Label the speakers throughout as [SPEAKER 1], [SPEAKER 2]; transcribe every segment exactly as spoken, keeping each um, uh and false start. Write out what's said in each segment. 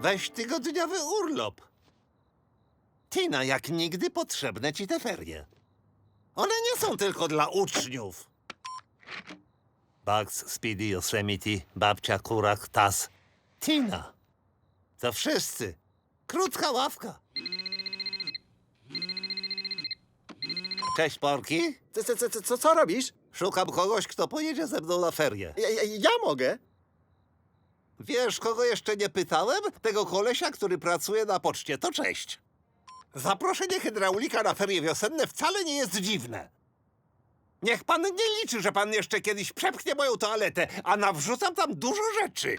[SPEAKER 1] Weź tygodniowy urlop. Tina, jak nigdy potrzebne ci te ferie. One nie są tylko dla uczniów. Bugs, Speedy, Yosemite, babcia, kurak, tas. Tina. To wszyscy. Krótka ławka. Cześć, Porki.
[SPEAKER 2] Co, co, co, co, co robisz?
[SPEAKER 1] Szukam kogoś, kto pojedzie ze mną na ferie.
[SPEAKER 2] Ja, ja, ja mogę.
[SPEAKER 1] Wiesz, kogo jeszcze nie pytałem? Tego kolesia, który pracuje na poczcie. To cześć. Zaproszenie hydraulika na ferie wiosenne wcale nie jest dziwne. Niech pan nie liczy, że pan jeszcze kiedyś przepchnie moją toaletę, a nawrzucam tam dużo rzeczy.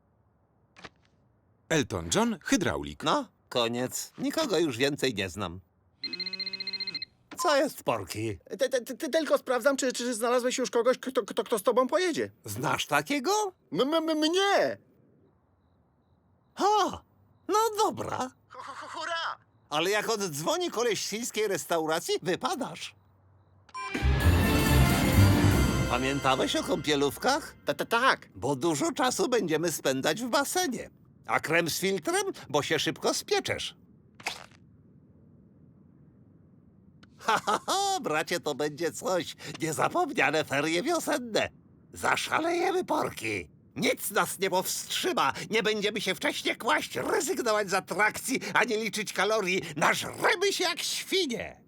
[SPEAKER 3] Elton John, hydraulik.
[SPEAKER 1] No, koniec. Nikogo już więcej nie znam. Co jest, Porki?
[SPEAKER 2] Ty, ty, ty, tylko sprawdzam, czy, czy znalazłeś już kogoś, kto, kto, kto z tobą pojedzie.
[SPEAKER 1] Znasz takiego?
[SPEAKER 2] M, m, m mnie!
[SPEAKER 1] Ha! No dobra.
[SPEAKER 2] Hurra!
[SPEAKER 1] Ale jak oddzwoni koleś z chińskiej restauracji, wypadasz. Pamiętałeś o kąpielówkach?
[SPEAKER 2] Ta, ta, tak.
[SPEAKER 1] Bo dużo czasu będziemy spędzać w basenie. A krem z filtrem? Bo się szybko spieczesz. Ha, ha, ha, bracie, to będzie coś. Niezapomniane ferie wiosenne. Zaszalejemy, Porki. Nic nas nie powstrzyma. Nie będziemy się wcześniej kłaść, rezygnować z atrakcji, ani liczyć kalorii. Nażremy się jak świnie.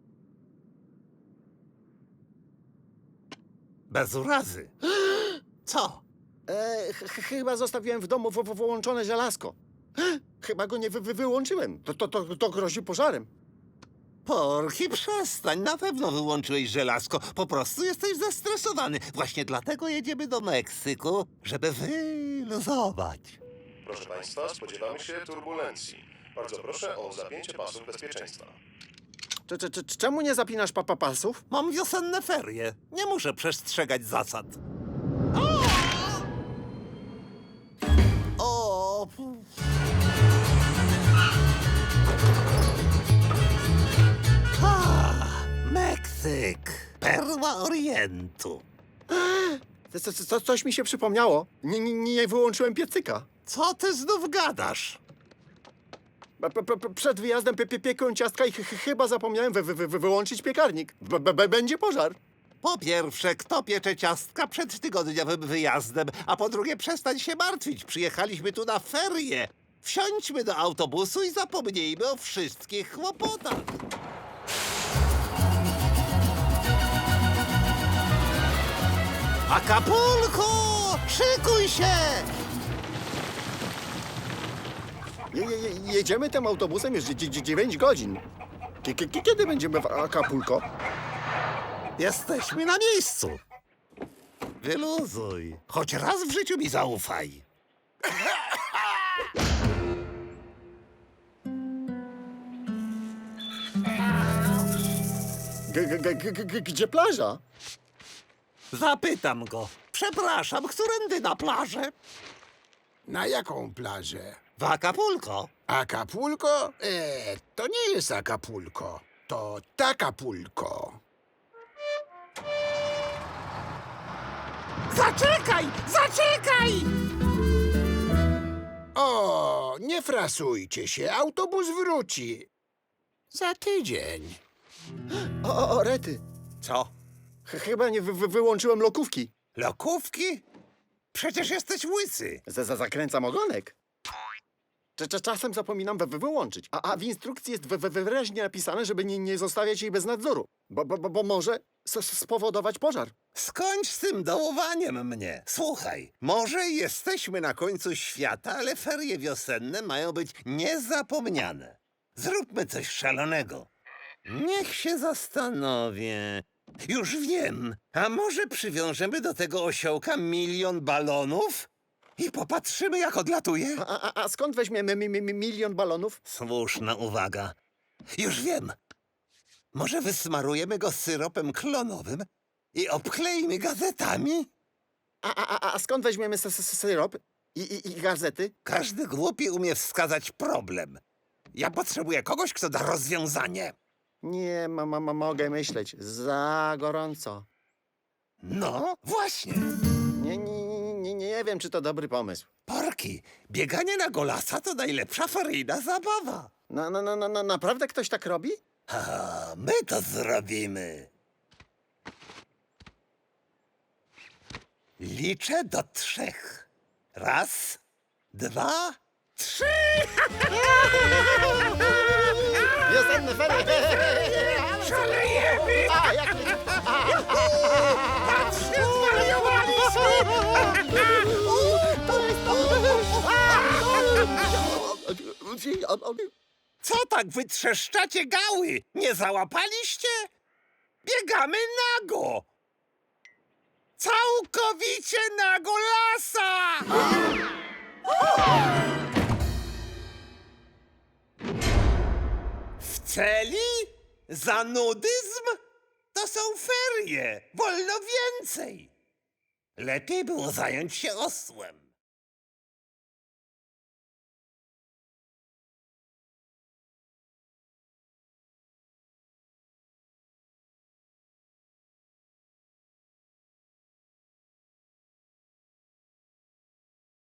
[SPEAKER 1] Bez urazy. Co?
[SPEAKER 2] E, ch, ch, chyba zostawiłem w domu w, w, wyłączone żelazko. Chyba go nie wy, wy, wyłączyłem. To, to, to, to grozi pożarem.
[SPEAKER 1] Porki, przestań. Na pewno wyłączyłeś żelazko. Po prostu jesteś zestresowany. Właśnie dlatego jedziemy do Meksyku, żeby wyluzować.
[SPEAKER 4] Proszę Państwa, spodziewamy się turbulencji. Bardzo proszę o zapięcie pasów bezpieczeństwa.
[SPEAKER 2] Cze, cze, cze, czemu nie zapinasz papa pasów?
[SPEAKER 1] Mam wiosenne ferie. Nie muszę przestrzegać zasad. O! O! Ha! Meksyk. Perła Orientu.
[SPEAKER 2] Co, co, co, coś mi się przypomniało. Nie, nie, nie wyłączyłem piecyka.
[SPEAKER 1] Co ty znów gadasz?
[SPEAKER 2] P, p, p, przed wyjazdem pie, pie, piekłem ciastka i ch, ch, chyba zapomniałem wy, wy, wy, wyłączyć piekarnik. B, b, b, będzie pożar.
[SPEAKER 1] Po pierwsze, kto piecze ciastka przed tygodniowym wyjazdem, a po drugie, przestań się martwić. Przyjechaliśmy tu na ferie. Wsiądźmy do autobusu i zapomnijmy o wszystkich kłopotach. Acapulco! Szykuj się!
[SPEAKER 2] Je, je, je- jedziemy tym autobusem już dzie- dzie- dziewięć godzin. Kie- kie- Kiedy będziemy w Acapulco?
[SPEAKER 1] Jesteśmy na miejscu. Wyluzuj. Choć raz w życiu mi zaufaj.
[SPEAKER 2] G, g, g, g, g, gdzie plaża?
[SPEAKER 1] Zapytam go. Przepraszam, którędy na plażę?
[SPEAKER 5] Na jaką plażę?
[SPEAKER 1] W Acapulco.
[SPEAKER 5] Acapulco? E, to nie jest Acapulco. To Takapulco.
[SPEAKER 1] Zaczekaj! Zaczekaj!
[SPEAKER 5] O, nie frasujcie się, autobus wróci. Za tydzień.
[SPEAKER 2] O, o, o rety.
[SPEAKER 1] Co?
[SPEAKER 2] Ch, chyba nie wy, wy, wyłączyłem lokówki.
[SPEAKER 1] Lokówki? Przecież jesteś łysy.
[SPEAKER 2] Za, za, zakręcam ogonek. Cze- cze- Czasem zapominam we, we wyłączyć. A, a w instrukcji jest we, we, wyraźnie napisane, żeby nie, nie zostawiać jej bez nadzoru. Bo, bo, bo, bo może s- s- spowodować pożar.
[SPEAKER 1] Skończ z tym dołowaniem mnie. Słuchaj, może jesteśmy na końcu świata, ale ferie wiosenne mają być niezapomniane. Zróbmy coś szalonego. Niech się zastanowię. Już wiem. A może przywiążemy do tego osiołka milion balonów i popatrzymy, jak odlatuje?
[SPEAKER 2] A, a, a skąd weźmiemy mi, mi, mi milion balonów?
[SPEAKER 1] Słuszna uwaga. Już wiem. Może wysmarujemy go syropem klonowym i obklejmy gazetami?
[SPEAKER 2] A, a, a, a skąd weźmiemy s- s- syrop i, i, i gazety?
[SPEAKER 1] Każdy głupi umie wskazać problem. Ja potrzebuję kogoś, kto da rozwiązanie.
[SPEAKER 2] Nie, ma, ma, ma, mogę myśleć. Za gorąco.
[SPEAKER 1] No, właśnie.
[SPEAKER 2] Nie, nie, nie, nie, nie, nie wiem, czy to dobry pomysł.
[SPEAKER 1] Porki, bieganie na golasa to najlepsza feryjna zabawa.
[SPEAKER 2] No, no, no, no, no, naprawdę ktoś tak robi?
[SPEAKER 1] A my to zrobimy. Liczę do trzech. Raz, dwa, trzy.
[SPEAKER 2] Wiosenne ferie!
[SPEAKER 1] Szalejemy!
[SPEAKER 2] A, jak nie...
[SPEAKER 1] Patrzcie, zwariowaliśmy! Co tak wytrzeszczacie gały? Nie załapaliście? Biegamy nago! Całkowicie nago lasa! W celi? Za nudyzm? To są ferie! Wolno więcej! Lepiej było zająć się osłem.